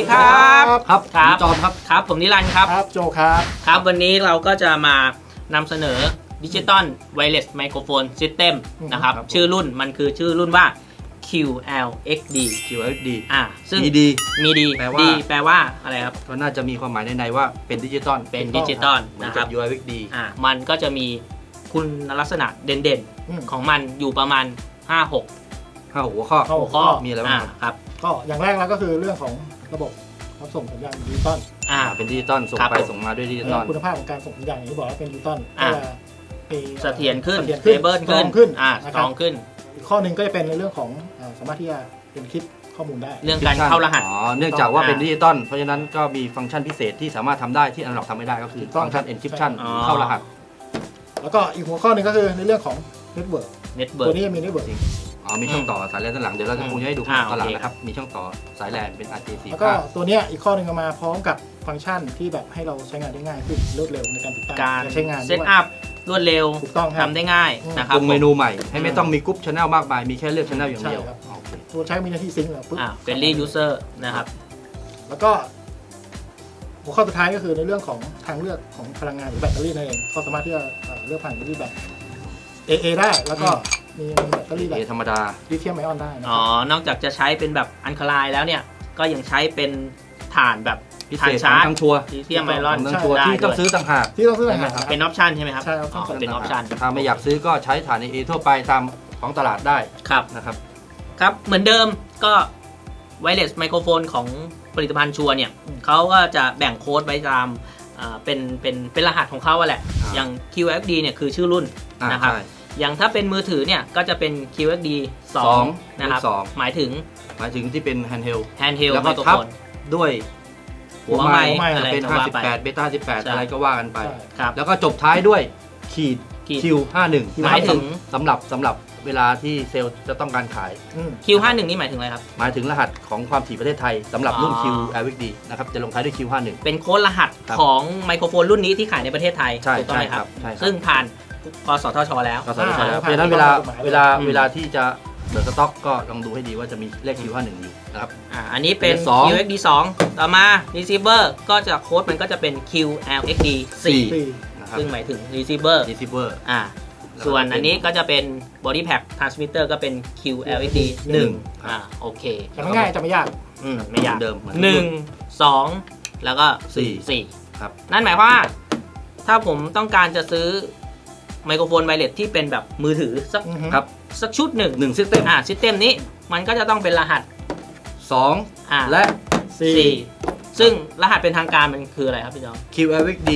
ครับครับผมจอมครับครับผมนิรันดร์ครับครับโจครับครับวันนี้เราก็จะมานำเสนอดิจิตอลไวเลสไมโครโฟนซิสเต็มนะครับชื่อรุ่นมันคือชื่อรุ่นว่า QLXD QLXD ซึ่งมีดีแปลว่าอะไรครับก็น่าจะมีความหมายในว่าเป็นดิจิตอลนะครับ QLXD มันก็จะมีคุณลักษณะเด่นๆของมันอยู่ประมาณ 5-6 หัวข้อมีอะไรบ้างครับก็อย่างแรกแล้วก็คือเรื่องของระบบรับส่งสัญญาณดิจิตอลเป็นดิจิตอลส่งไปส่งมาด้วยดิจิตอลคุณภาพของการส่งสัญญาณอย่างที่บอกว่าเป็นดิจิตอลเสถียรขึ้นเบิลขึ้นสตรองขึ้นอีกข้อหนึ่งก็จะเป็นในเรื่องของสามารถที่จะเป็นคิดข้อมูลได้เรื่องการเข้ารหัสเนื่องจากว่าเป็นดิจิตอลเพราะฉะนั้นก็มีฟังก์ชันพิเศษที่สามารถทำได้ที่อนาล็อกทำไม่ได้ก็คือฟังก์ชัน encryption เข้ารหัสแล้วก็อีกหัวข้อหนึ่งก็คือในเรื่องของเน็ตเวิร์กตัวนี้มีเน็ตเวิร์กมีช่องต่อสายแลนด้านหลังเดี๋ยวเราจะคงจะให้ดูตอนหลังนะครับมีช่องต่อสายแลนเป็น RJ45 แล้วก็ตัวนี้อีกข้อหนึ่งมาพร้อมกับฟังก์ชันที่แบบให้เราใช้งานได้ง่ายขึ้นรวดเร็วในการติดตั้งการใช้งานเซตอัพรวดเร็วถูกต้องทำได้ง่ายนะครับเมนูใหม่ให้ไม่ต้องมีกรุ๊ปช anel มากมายมีแค่เลือกช anel อย่างเดียวตัวใช้มีหน้าที่ซิงค์แล้วปุ๊บเป็นรียูเซอร์นะครับแล้วก็หัวข้อสุดท้ายก็คือในเรื่องของทางเลือกของพลังงานหรือแบตเตอรี่นั่นเองเขาสามารถที่จะเลือกผ่านแบตเตอรี่แบบ AA ได้แล้วก็มีแบตเตอรี่แบบธรรมดาลิเธียมไอออนได้นอกจากจะใช้เป็นแบบอันคาไลน์แล้วเนี่ยก็ยังใช้เป็นถ่านแบบพิเศษทั้งชัวร์ลิเธียมไอออนที่ต้องซื้อต่างหากเป็นออปชันใช่ไหมครับใช่ครับเป็นออปชันถ้าไม่อยากซื้อก็ใช้ถ่าน AA ทั่วไปตามของตลาดได้ครับนะครับครับเหมือนเดิมก็ไวเลสไมโครโฟนของผลิตภัณฑ์ชัวร์เนี่ยเขาก็จะแบ่งโค้ดไว้ตามเป็นรหัสของเขาแหละอย่าง QFD เนี่ยคือชื่อรุ่นนะครับอย่างถ้าเป็นมือถือเนี่ยก็จะเป็น QFD 2นะครับหมายถึงที่เป็น handheld แล้วก็ทับด้วยหัวไมค์เป็น58เบต้า18อะไรก็ว่ากันไปแล้วก็จบท้ายด้วยขีด Q51 หมายถึงสำหรับเวลาที่เซลล์จะต้องการขาย Q51 นี่หมายถึงอะไรครับหมายถึงรหัสของความถี่ประเทศไทยสำหรับรุ่น QLXD นะครับจะลงท้ายด้วย Q51 เป็นโค้ดรหัสของไมโครโฟนรุ่นนี้ที่ขายในประเทศไทยถูกต้องไหมครับซึ่งผ่านกสทชแล้วเพราะฉะนั้นเวลาที่จะเปิดสต็อกก็ลองดูให้ดีว่าจะมีเลข Q51 อยู่นะครับอันนี้เป็น QXD 2ต่อมา receiver ก็จะโค้ดมันก็จะเป็น QLXD 4ซึ่งหมายถึง receiver ส่วนอันนี้ก็จะเป็น body pack transmitter ก็เป็น QLXD 1โอเคจะไม่ง่ายจะไม่ยากไม่ยากเดิม 1 2แล้วก็4 ครับนั่นหมายความว่าถ้าผมต้องการจะซื้อไมโครโฟนไวเลสที่เป็นแบบมือถือสักชุดหนึ่งซิสเต็มซิสเต็มนี้มันก็จะต้องเป็นรหัส 2และ 4ซึ่งรหัสเป็นทางการมันคืออะไรครับพี่จอม QLXD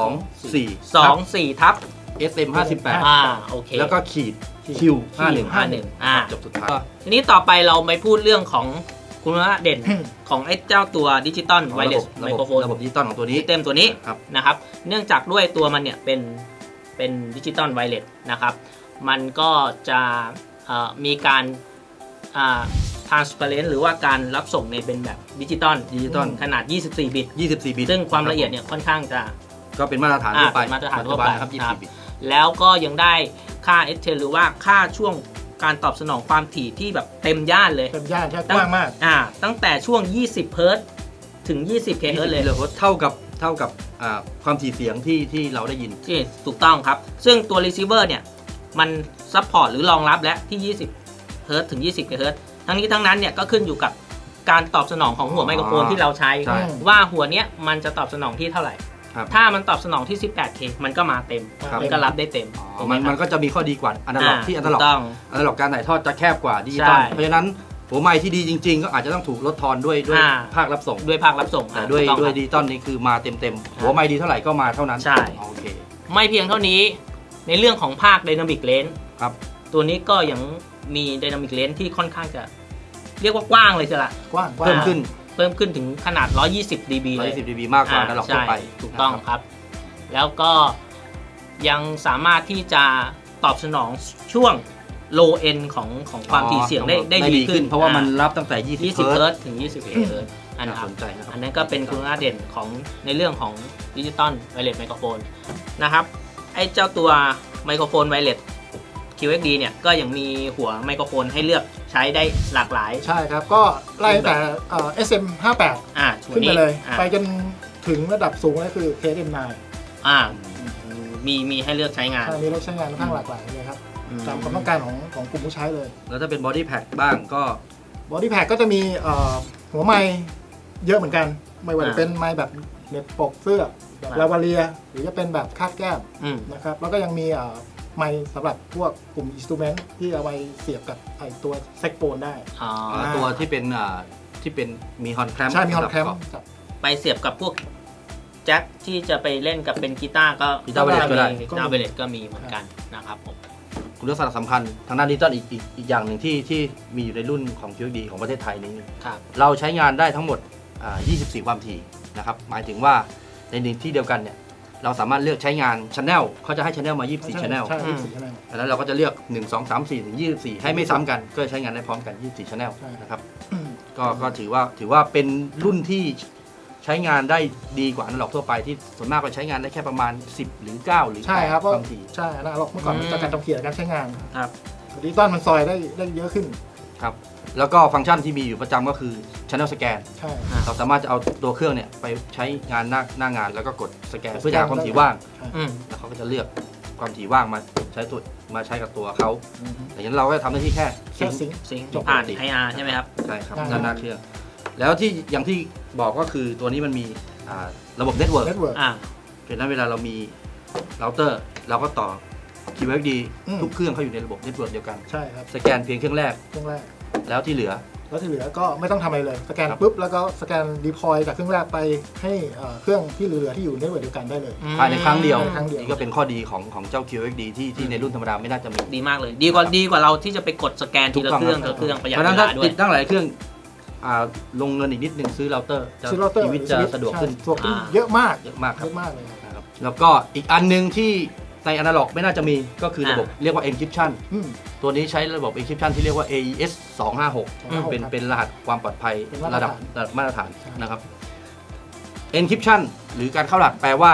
24ทับ SM58 โอเคแล้วก็ขีด Q51 จบสุดท้ายทีนี้ต่อไปเราไปพูดเรื่องของคุณลักษณะเด่นของไอ้เจ้าตัวดิจิตอลไวเลสไมโครโฟนระบบดิจิตอลของตัวนี้เต็มตัวนี้นะครับเนื่องจากด้วยตัวมันเนี่ยเป็นดิจิตอลไวเลสนะครับมันก็จะมีการtransparent หรือว่าการรับส่งในเป็นแบบดิจิตอลขนาด24 บิตซึ่งความละเอียดเนี่ยค่อนข้างจะก็เป็นมาตรฐานทั่วไปครับ24 บิตแล้วก็ยังได้ค่า ST หรือว่าค่าช่วงการตอบสนองความถี่ที่แบบเต็มย่านเลยเต็มย่านใช่กว้างมากตั้งแต่ช่วง20 เฮิร์ตซ์ถึง20 เฮิร์ตซ์เลยเท่ากับความถี่เสียงที่เราได้ยินที่ถูกต้องครับซึ่งตัว receiver เนี่ยมันซัพพอร์ตหรือรองรับและที่20 เฮิร์ตซ์ถึง20 เฮิร์ตซ์ทั้งนี้ทั้งนั้นเนี่ยก็ขึ้นอยู่กับการตอบสนองของหัวไมโครโฟนที่เราใช้ว่าหัวเนี้ยมันจะตอบสนองที่เท่าไหร่ถ้ามันตอบสนองที่ 18K มันก็มาเต็มมันก็รับได้เต็มมันก็จะมีข้อดีกว่าอนาล็อกที่อนาล็อกการถ่ายทอดจะแคบกว่าดิจิตอลเพราะฉะนั้นหัวไมค์ที่ดีจริงๆก็อาจจะต้องถูกลดทอนด้วยภาครับส่งแต่ด้วยดิจิตอลนี่คือมาเต็มหัวไมค์ดีเท่าไหร่ก็มาเท่านั้นใช่โอเคไม่เพียงเท่านี้ในเรื่องของภาค Dynamic Range ครับตัวนี้ก็ยังมี Dynamic Range ที่ค่อนข้างจะเรียกว่ากว้างเลยใช่ไหมกว้างเพิ่มขึ้นถึงขนาด120 dB เลย 120 dB มากกว่าอนาล็อกทั่วไปถูกต้องครับแล้วก็ยังสามารถที่จะตอบสนองช่วง low end ของความถี่เสียงได้ดีขึ้นเพราะว่ามันรับตั้งแต่20 เฮิร์ตซ์ถึง20 เฮิร์ตซ์อันนั้นก็เป็นคุณลักษณะเด่นของในเรื่องของดิจิตอลไวเลสไมโครโฟนนะครับไอ้เจ้าตัวไมโครโฟนไวเลส QXD เนี่ยก็ยังมีหัวไมโครโฟนให้เลือกใช้ได้หลากหลายใช่ครับก็ไล่แต่SM58 ขึ้นไปเลยไปจนถึงระดับสูงก็คือ KSM9 มีให้เลือกใช้งานมีเลือกใช้งานค่อนข้างหลากหลายเลยครับตามความต้องการของกลุ่มผู้ใช้เลยแล้วถ้าเป็นบอดี้แพ็คบ้างก็บอดี้แพ็คก็จะมีหัวไม้เยอะเหมือนกันไม่ว่าจะเป็นไม้แบบเน็บปกเสื้อแบบลาวาเลียหรือจะเป็นแบบคาดแก้มนะครับแล้วก็ยังมีไม้สำหรับพวกกลุ่มอินสตูเมนต์ที่เอาไว้เสียบกับไอตัวแซกโฟนได้ตัวที่เป็นมีฮอนแคลมใช่มีฮอนแคลมไปเสียบกับพวกแจ็คที่จะไปเล่นกับเป็นกีตาร์ก็กีตาร์เบลดก็มีเหมือนกันนะครับผมคุณลักษณะสำคัญทางด้านดิจิตอลอีกอย่างหนึ่งที่มีอยู่ในรุ่นของ QXD ของประเทศไทยนี้เราใช้งานได้ทั้งหมด24 ความถี่นะครับหมายถึงว่าในที่เดียวกันเนี่ยเราสามารถเลือกใช้งาน Channel เขาจะให้ Channel มา24 Channel แล้วเราก็จะเลือก1 2 3 4ถึง24ให้ไม่ซ้ำกันก็ใช้งานได้พร้อมกัน24 Channel นะครับก็ถือว่าเป็นรุ่นที่ใช้งานได้ดีกว่าอนาล็อกทั่วไปที่ส่วนมากก็ใช้งานได้แค่ประมาณ10หรือ9หรือ8บางทีใช่อนาล็อกเมื่อก่อนจากการจำเขียนการใช้งานครับดิจิตอลมันซอยได้เยอะขึ้นครับแล้วก็ฟังก์ชันที่มีอยู่ประจำก็คือ Channel Scan เราสามารถจะเอาตัวเครื่องเนี่ยไปใช้งานหน้างานแล้วก็กดสแกนเพื่อหาความถี่ว่างแล้วเขาก็จะเลือกความถี่ว่างมาใช้กับตัวเขาแต่ยันเราก็ทำหน้าที่แค่ซิงผ่าน IR ใช่ไหมครับใช่ครับด้านหน้าเครื่องแล้วที่อย่างที่บอกก็คือตัวนี้มันมีระบบเน็ตเวิร์กเพราะนั้นเวลาเรามีเราเตอร์เราก็ต่อ QXD ทุกเครื่องเขาอยู่ในระบบเน็ตเวิร์กเดียวกันใช่ครับสแกนเพียงเครื่องแรกแล้วที่เหลือก็ไม่ต้องทำอะไรเลยสแกนปุ๊บแล้วก็สแกนดีพลอยจากเครื่องแรกไปให้เครื่องที่เหลือที่อยู่ในเน็ตเวิร์กเดียวกันได้เลยภายในครั้งเดียวนี่ก็เป็นข้อดีของเจ้า QXD ที่ในรุ่นธรรมดาไม่น่าจะมีดีมากเลยดีกว่าเราที่จะไปกดสแกนทีละเครื่องประหยัดเวลาด้วยติดตั้งหลายเครื่องลงเงินอีกนิดนึงซื้อเราเตอร์ชีวิตจะสะดวกขึ้นเยอะมากครับเลยนะครับแล้วก็อีกอันนึงที่ในอนาล็อกไม่น่าจะมีก็คือระบบเรียกว่า encryption ตัวนี้ใช้ระบบ encryption ที่เรียกว่า AES 256เป็นรหัสความปลอดภัยระดับมาตรฐานนะครับ encryption หรือการเข้ารหัสแปลว่า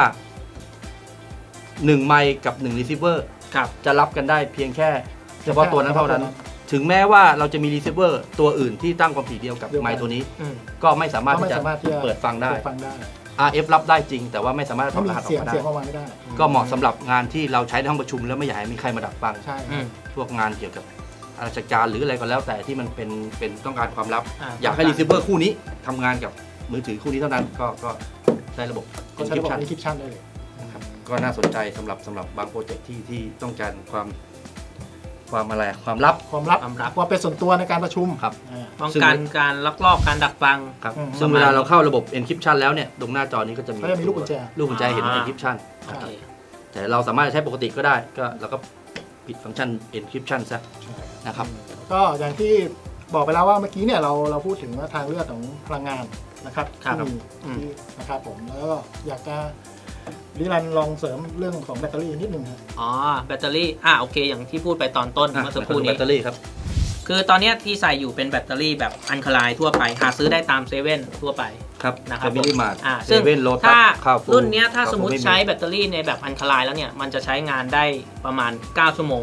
1ไมค์กับ1 receiver จะรับกันได้เพียงแค่เฉพาะตัวนั้นเท่านั้นถึงแม้ว่าเราจะมีรีเซิร์ฟเวอร์ตัวอื่นที่ตั้งความถี่เดียวกับไมค์ตัวนี้ก็ไม่สามารถที่จะเปิดฟังได้ RF รับได้จริงแต่ว่าไม่สามารถถอดรหัสออกมาได้ก็เหมาะสำหรับงานที่เราใช้ในห้องประชุมแล้วไม่อยากให้มีใครมาดักฟังพวกงานเกี่ยวกับราชการหรืออะไรก็แล้วแต่ที่มันเป็นต้องการความลับอยากให้รีเซิร์ฟเวอร์คู่นี้ทำงานกับมือถือคู่นี้เท่านั้นก็ใช้ระบบ encryption ได้เลยนะครับก็น่าสนใจสำหรับบางโปรเจกต์ที่ต้องการความลับความเป็นส่วนตัวในการประชุมครับป้องกันการลักลอบการดักฟังครับซึ่งเวลาเราเข้าระบบ encryption แล้วเนี่ยตรงหน้าจอนี้ก็จะมีลูกกุญแจเห็น encryption แต่เราสามารถใช้ปกติก็ได้ก็เราก็ปิดฟังก์ชัน encryption ซะนะครับก็อย่างที่บอกไปแล้วว่าเมื่อกี้เนี่ยเราพูดถึงว่าทางเลือกของพลังงานนะครับที่นะครับผมแล้วก็อยากจะดิรันลองเสริมเรื่องของแบตเตอรี่นิดนึงครับแบตเตอรี่โอเคอย่างที่พูดไปตอนต้นเมื่อสักครู่นี้แบตเตอรี่ครับคือตอนนี้ที่ใส่อยู่เป็นแบตเตอรี่แบบอัลคาไลน์ทั่วไปหาซื้อได้ตามเซเว่นทั่วไปครับนะครับมินิมาร์ทซึ่งถ้ารุ่นนี้ถ้าสมมติใช้แบตเตอรี่ในแบบอัลคาไลน์แล้วเนี่ยมันจะใช้งานได้ประมาณ9 ชั่วโมง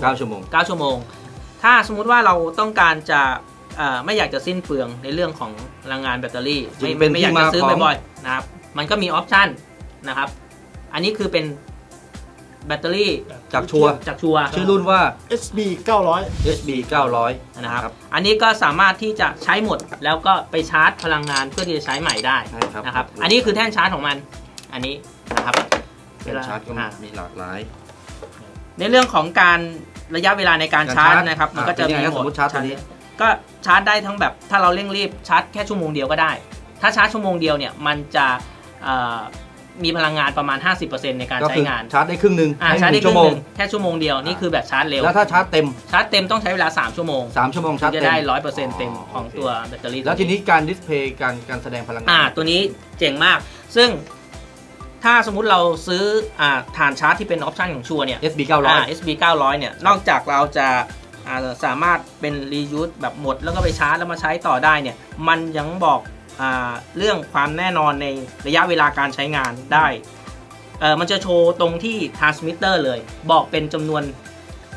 ถ้าสมมุติว่าเราต้องการจะไม่อยากจะสิ้นเปลืองในเรื่องของพลังงานแบตเตอรี่ไม่อยากจะซื้อบ่อยๆนะครับมันก็มีออปชั่นนะครับอันนี้คือเป็นแบตเตอรี่จากชัวชื่อรุ่นว่า SB 900 นะครับอันนี้ก็สามารถที่จะใช้หมดแล้วก็ไปชาร์จพลังงานเพื่อที่จะใช้ใหม่ได้นะครับอันนี้คือแท่นชาร์จของมันอันนี้นะครับแท่นชาร์จก็มีหลากหลายในเรื่องของการระยะเวลาในการชาร์จนะครับมันก็จะมีสมมติชาร์จตัวนี้ก็ชาร์จได้ทั้งแบบถ้าเราเร่งรีบชาร์จแค่ชั่วโมงเดียวก็ได้ถ้าชาร์จชั่วโมงเดียวเนี่ยมันจะมีพลังงานประมาณ 50% ในการใช้งานชาร์จได้ครึ่งนึงชาร์จได้ครึ่งนึงแค่ชั่วโมงเดียวนี่คือแบบชาร์จเร็วแล้วถ้าชาร์จเต็มต้องใช้เวลา3 ชั่วโมงชาร์จจะได้ 100% เต็มของตัวแบตเตอรี่แล้วทีนี้การดิสเพย์การแสดงพลังงานตัวนี้เจ๋งมากซึ่งถ้าสมมุติเราซื้อฐานชาร์จที่เป็นออปชั่นของชัวร์เนี่ย SB 900เนี่ยนอกจากเราจะสามารถเป็น reuse แบบหมดแล้วก็ไปชาร์จแล้วมาใช้ต่อได้เนี่ยมันยังบอกเรื่องความแน่นอนในระยะเวลาการใช้งานได้มันจะโชว์ตรงที่ transmitter เลยบอกเป็นจำนวน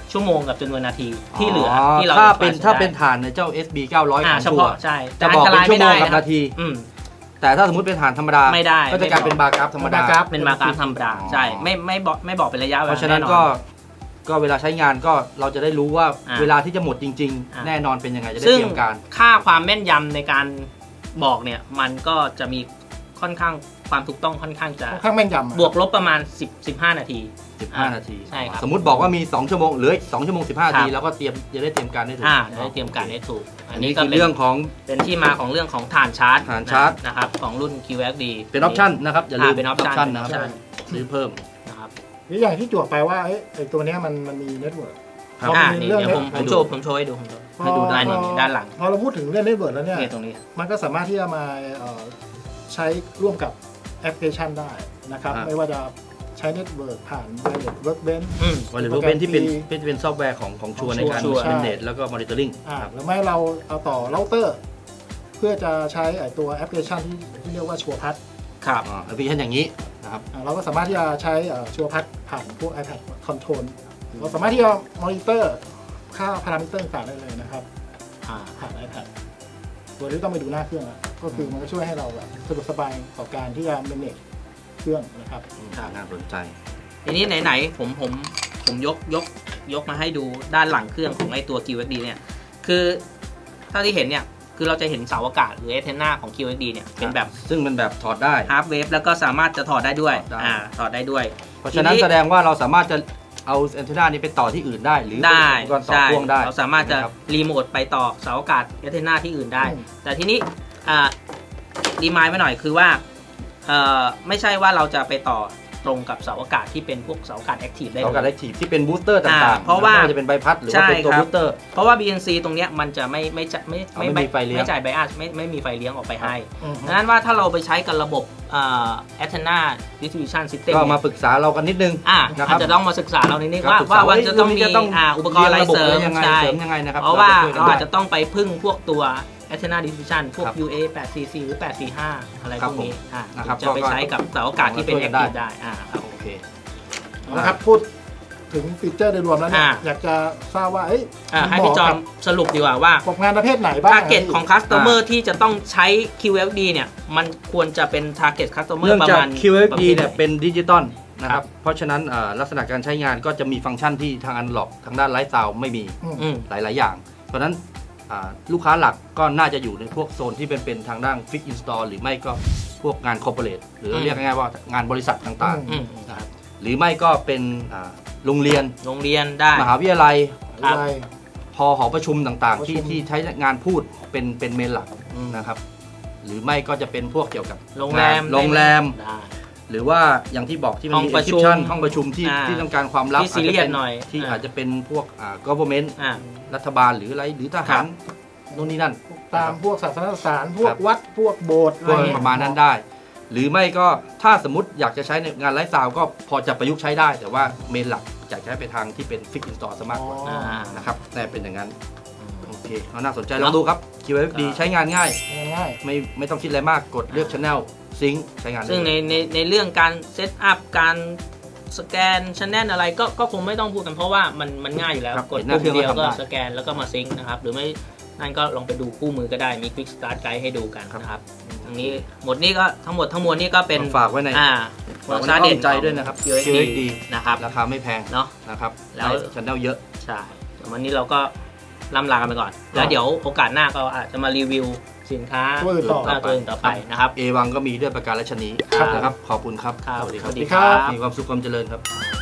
ชั่วโมงกับจำนวนนาทีที่เหลือที่เราถ้าเป็นฐานในเจ้า SB 900ของเฉชัวพาะใช่จะบอกเป็นชั่วโมงกับนาที แต่ถ้าสมมติเป็นฐานธรรมดาไม่ได้ก็จะกลายเป็นบาร์กราฟธรรมดาเป็นบาร์กราฟธรรมดาใช่ไม่บอกเป็นระยะเวลาเพราะฉะนั้นก็เวลาใช้งานก็เราจะได้รู้ว่าเวลาที่จะหมดจริงๆแน่นอนเป็นยังไงจะได้เตรียมการค่าความแม่นยำในการบอกเนี่ยมันก็จะมีค่อนข้างความถูกต้องค่อนข้างจะแม่นยำบวกลบประมาณ15 นาที 15 นาทีใช่ครับสมมุติบอกว่ามี2ชั่วโมงเหลือ2ชั่วโมง15 นาทีแล้วก็จะได้เตรียมการได้ถูกได้เตรียมการได้ถูกอันนี้คือเรื่องของเป็นที่มาของเรื่องของฐานชาร์จนะครับของรุ่น QXD เป็นออปชั่นนะครับอย่าลืมเป็นออปชั่นนะครับซื้อเพิ่มนะครับนี่อย่างที่จวบไปว่าไอ้ตัวนี้มันมีเน็ตเวิร์กนี่เดี๋ยวผมโชว์ให้ดูให้ดูด้านหลังพอเราพูดถึงเรื่องเน็ตเวิร์กแล้วเนี่ยตรงนี้มันก็สามารถที่จะมาใช้ร่วมกับแอปพลิเคชันได้นะครับไม่ว่าจะใช้เน็ตเวิร์กผ่าน Wireless Workbench Wireless Workbench ที่เป็นซอฟต์แวร์ของชัวร์ในการ manage แล้วก็ monitoring หรือไม่เราเอาต่อเราเตอร์เพื่อจะใช้ตัวแอปพลิเคชันที่เรียกว่าชัวร์พัทครับแอปพลิเคชันอย่างนี้นะครับเราก็สามารถที่จะใช้ชัวร์พัทผ่านพวก iPad Control เราสามารถที่จะมอนิเตอร์ค่าพารามิเตอร์ต่างๆได้เลยนะครับผ่าน iPad โดยที่ต้องไปดูหน้าเครื่องก็คือมันก็ช่วยให้เราแบบสะดวกสบายต่อการที่จะ manage เครื่องนะครับน่าสนใจทีนี้ไหนๆผมยกมาให้ดูด้านหลังเครื่องของไอตัว QXD เนี่ยคือเท่าที่เห็นเนี่ยคือเราจะเห็นเสาอากาศหรือแอนเทนนาของ QXD เนี่ยเป็นแบบซึ่งเป็นแบบถอดได้ half wave แล้วก็สามารถจะถอดได้ด้วยถอดได้ด้วยเพราะฉะนั้นแสดงว่าเราสามารถจะเอาแอนเทนนานี้ไปต่อที่อื่นได้หรืออุปกรณ์ต่อพ่วงได้เราสามารถจะรีโมทไปต่อเสาอากาศแอนเทนนาที่อื่นได้แต่ทีนี้รีมายด์ไว้หน่อยคือว่าไม่ใช่ว่าเราจะไปต่อตรงกับเสาอากาศที่เป็นพวกเสาอากาศแอคทีฟได้เสาอากาศแอคทีฟที่เป็นบูสเตอร์ต่างๆเพราะว่าจะเป็นใบพัดหรือว่าเป็นตัวบูสเตอร์เพราะว่า BNC ตรงเนี้ยมันจะไม่จ่ายไบอัสไม่มีไฟเลี้ยงออกไปให้ดังนั้นว่าถ้าเราไปใช้กับระบบAntenna Distribution System ก็มาปรึกษาเรากันนิดนึงอาจจะต้องมาศึกษาเรานิดนึงว่ามันจะต้องมีอุปกรณ์อะไรเสริมยังไงนะครับเพราะว่าเราอาจจะต้องไปพึ่งพวกตัวAntenna Distribution พวก UA 844หรือ845อะไรพวกนี้จะไปใช้กับเสาอากาศที่เป็น Active ได้ครับโอเคนะครับพูดถึงฟีเจอร์โดยรวมแล้วเนี่ยอยากจะทราบว่าให้พี่จอมสรุปดีกว่าว่างานประเภทไหนบ้าง Target ของ Customer ที่จะต้องใช้ QXD เนี่ยมันควรจะเป็น Target Customer ประมาณ QXD เนี่ยเป็นดิจิตอลนะครับเพราะฉะนั้นลักษณะการใช้งานก็จะมีฟังก์ชันที่ทางอนาล็อกทางด้านไลฟ์ซาวด์ไม่มีหลายอย่างเพราะนั้นลูกค้าหลักก็น่าจะอยู่ในพวกโซนที่เป็นทางด้านฟิกอินสตอลหรือไม่ก็พวกงานคอร์ปอเรทหรือเรียกง่ายๆว่างานบริษัทต่างๆนะครับหรือไม่ก็เป็นโรงเรียนได้มหาวิทยาลัยพอหอประชุมต่างๆที่ใช้งานพูดเป็นเมนหลักนะครับหรือไม่ก็จะเป็นพวกเกี่ยวกับโรงแรมหรือว่าอย่างที่บอกที่มันมี encryption ห้องประชุมที่ต้องการความลับที่ซีเรียสหน่อยที่อาจจะเป็นพวกgovernment รัฐบาลหรืออะไรหรือทหารนู่นนี่นั่นตามพวกศาสนสถานพวกวัดพวกโบสถ์อะไรประมาณนั้นได้หรือไม่ก็ถ้าสมมติอยากจะใช้ในงานไลฟ์ซาวด์ก็พอจะประยุกต์ใช้ได้แต่ว่าเมนหลักอยากใช้ไปทางที่เป็นฟิกอินสตอลซะมากกว่านะครับแต่เป็นอย่างนั้นโอเคน่าสนใจลองดูครับ QXD ใช้งานง่ายไม่ต้องคิดอะไรมากกดเลือก Channelซิงค์ใช้งานซึ่งในเรื่องการเซตอัพการสแกนChannelอะไรก็คงไม่ต้องพูดกันเพราะว่ามันง่ายอยู่แล้วกดปุ่มเดียวก็สแกนแล้วก็มาซิงค์นะครับหรือไม่นั่นก็ลองไปดูคู่มือก็ได้มี Quick Start Guide ให้ดูกันนะครับตรงนี้หมดนี้ก็ทั้งหมดทั้งมวลนี่ก็เป็นฝากไว้ในความน่าเด่นใจด้วยนะครับ QXD นะครับราคาไม่แพงเนาะนะครับแล้ว Channel เยอะใช่วันนี้เราก็ล่ำลากันไปก่อนแล้วเดี๋ยวโอกาสหน้าก็อาจจะมารีวิวสินค้าตัวอื่นต่อไปนะครับเอวังก็มีด้วยประการราชนีนะครับขอบคุณครับสวัสดีครับมีความสุขความเจริญครับ